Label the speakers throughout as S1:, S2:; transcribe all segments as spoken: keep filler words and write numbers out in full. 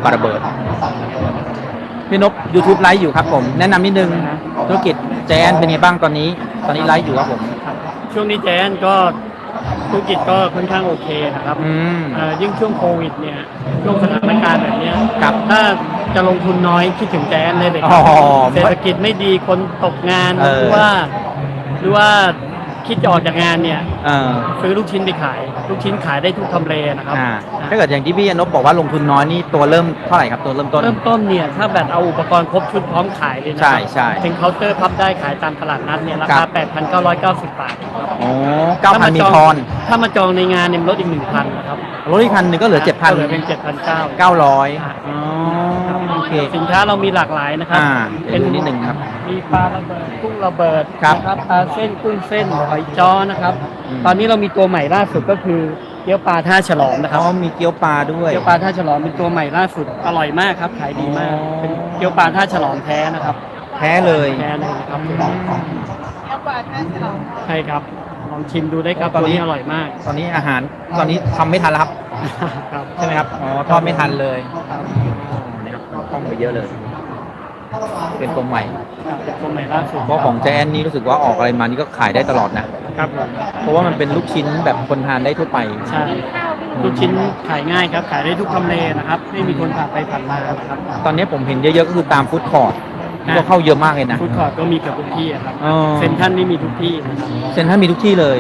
S1: ปลาระเบิดพี่นพ YouTube ไลฟ์อยู่ครับผมแนะนำนิดนึงธุรกิจแจนเป็นไงบ้างตอนนี้ตอนนี้ไลฟ์อยู่ครับผม
S2: ช่วงนี้แจนก็ธุรกิจก็ค่อนข้างโอเคนะครับยิ่งช่วงโควิดเนี่ยช่วงสถานการณ์แบบนี้ครับถ้าจะลงทุนน้อยคิดถึงแจนเลยเลยครับเศรษฐกิจไม่ดีคนตกงานหรือว่าหรือว่าคิดจะออกจากงานเนี่ยซื้อลูกชิ้นไปขายลูกชิ้นขายได้ทุกทำเลนะครับ
S1: ถ้าเกิดอย่างที่พี่นพบอกว่าลงทุนน้อยนี่ตัวเริ่มเท่าไหร่ครับตัวเริ่มต้น
S2: เริ่มต้นเนี่ยถ้าแบบเอาอุปกรณ์ครบชุดพร้อมขายเลยนะ
S1: ใช่ใช่
S2: เป็นเคาน์เตอร์พับได้ขายตามตลาดนัดเนี่ยราคา แปดพันเก้าร้อยเก้าสิบ บาท
S1: โอ้เก้าพันมีทอน
S2: ถ้ามาจองในงานเนี่ยลดอีกหนึ่งพันนะครับ
S1: ลดอีกพันหนึ่งก็เหลือเจ็ดพัน
S2: เหลือเป็นเจ็ดพันเก้า
S1: เก้าร้อยอ๋อโอเค
S2: สินค้าเรามีหลากหลายนะครับ
S1: เป็นนิดหนึ่งครับ
S2: มีปลาระเบิดกุ้งระเบิดนะครับปลาเส้นกุ้งเส้นหอยจ้อนะครับตอนนี้เรามีตัวใหม่ล่าสุดก็คือเกี๊ยวปลาท่าฉลอมนะครับ
S1: อ๋อมีเกี๊ยวปลาด้วย
S2: เกี๊ยวปลาท่าฉลอมเป็นตัวใหม่ล่าสุดอร่อยมากครับขายดีมากเป็นเกี๊ยวปลาท่าฉลอมแท้นะครับ
S1: แท้เลย
S2: แท้เลยครับเกี๊ยวปลาท่าฉลอมใช่ครับลองชิมดูได้ครับตอนนี้อร่อยมาก
S1: ตอนนี้อาหารตอนนี้ทำไม่ทันแล้วครับใช่ไหมครับอ๋อทอดไม่ทันเลยนะครับต้องไปเยอะเลยเป็นตัวใหม่
S2: เป็นตัวใหม่ล่าสุด
S1: เพราะของแจนนี่รู้สึกว่าออกอะไรมานี่ก็ขายได้ตลอดนะครับเพราะว่ามันเป็นลูกชิ้นแบบคนทานได้ทั่วไป
S2: ใช่ลูกชิ้นขายง่ายครับขายได้ทุกทำเลนะครับไม่มีคนผ่านไปผ่านมานะครับ
S1: ตอนนี้ผมเห็นเยอะๆก็คือตามฟู้ดคอร์ทก็เข้าเยอะมากเลยนะ
S2: ฟู้ดคอร์ทก็มีกับทุกที่ครับเซ็นทรัลนี่มีทุกที่
S1: เซ็นทรัลมีทุกที่เลย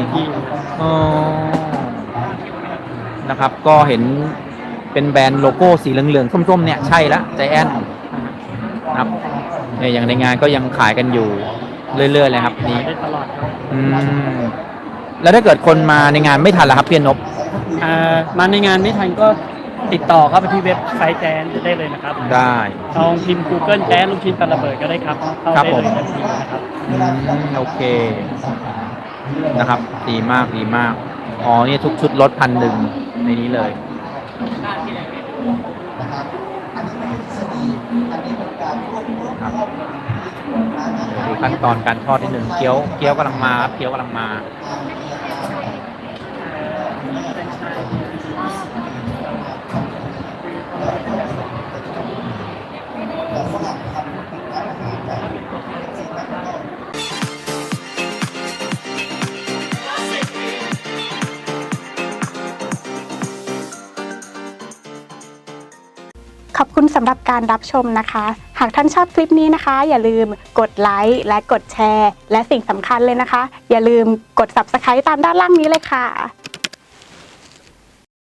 S1: นะครับก็เห็นเป็นแบรนด์โลโก้สีเหลืองๆส้มๆเนี่ยใช่ละใจแอนนะครับเนี่ยอย่างในงานก็ยังขายกันอยู่เรื่อยๆเลยครับนี่
S2: ได้ตลอดครับ
S1: อืมแล้วถ้าเกิดคนมาในงานไม่ทันล่ะครับพี่นพ
S2: มาในงานไม่ทันก็ติดต่อเข้าไปที่เว็บไซต์แจนได้เลยนะครับ
S1: ได้
S2: ลองพิมพ์ Google แจนลูกชิ้นปลาระเบิดก็ได้ครับเข้าได้เลยทันทีนะครับ
S1: โอเคนะครับดีมากดีมากอ๋อเนี่ยทุกชุดลดพันหนึ่งในนี้เลยครับดูขั้นตอนการทอดนิดหนึ่งเกี๊ยวเกี๊ยวกำลังมาเกี๊ยวกำลังมา
S3: ขอบคุณสำหรับการรับชมนะคะ หากท่านชอบคลิปนี้นะคะอย่าลืมกดไลค์และกดแชร์และสิ่งสำคัญเลยนะคะอย่าลืมกด ซับสไครบ์ ตามด้านล่างนี้เลยค่ะ